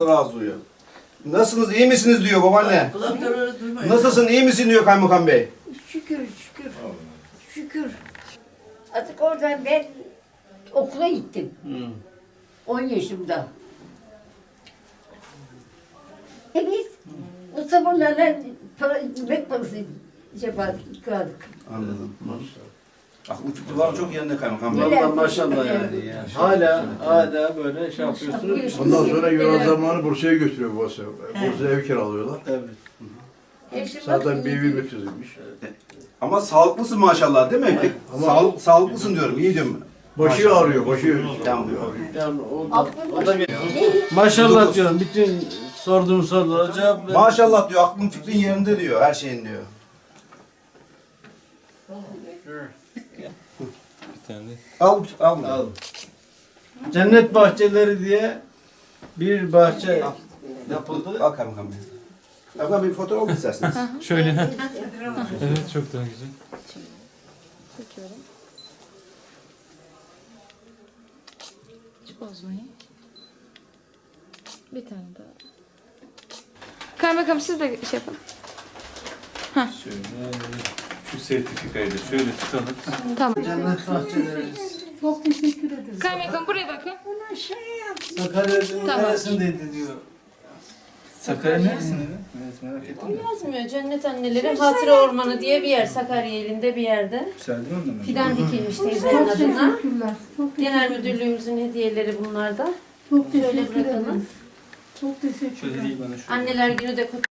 razı oluyor. Nasılsınız, iyi misiniz diyor babaanne. Kulakları duymuyor. Nasılsın, iyi misin diyor kaymakam bey. Şükür. Şükür. Artık oradan ben okula gittim. 10 yaşımda. Biz o zamanlarla yemek parası yapardık. Anladım. Aklı fikri çok yerinde kaymakam bey. Neler- Vallahi maşallah yani. Hala böyle şey yapıyorsunuz. Ondan sonra Yunan zamanı Bursa'ya götürüyor babası. Bursa'ya ev kiralıyorlar. Evet. Zaten bir evi götürülmüş. Ama sağlıklısın maşallah değil mi? Ama- Sağlıklısın diyorum, iyi diyorum. Başı ağrıyor, başı. Tamam. Yani o da maşallah diyorum. Bütün sorduğum sorulara cevap ver. Maşallah diyor, aklın fikrin yerinde diyor, her şeyin diyor. Al. Al. Cennet bahçeleri diye bir bahçe yapıldı. Al kaymakam bey. Kaymakam bey bir fotoğraf mı isterseniz? Şöyle. Evet, çok daha güzel. Çekiyorum. Hiç bozmayın. Bir tane daha. Kaymakam siz de şey yapın. Şöyle. Şu sertifikayı da şöyle tutalım. Tamam. Cennet bahçeleri. Çok teşekkür ederim. Kaymakam buraya bakın. Sakarya'nın Tamam. neresindeydi diyor. Sakarya neresinde? Evet, merak ettim. Yazmıyor. Cennet Anneleri Hatıra Ormanı diye bir yer. Sakarya ilinde bir yerde. Güzeldi mi ondan? Fidan dikilmiş teyzenin adına. Teşekkürler. Çok Genel Müdürlüğümüzün hediyeleri bunlar da. Çok Şöyle teşekkür bırakalım. ederim. Çok teşekkür Şöyle ederim. değil bana şu. Anneler Günü de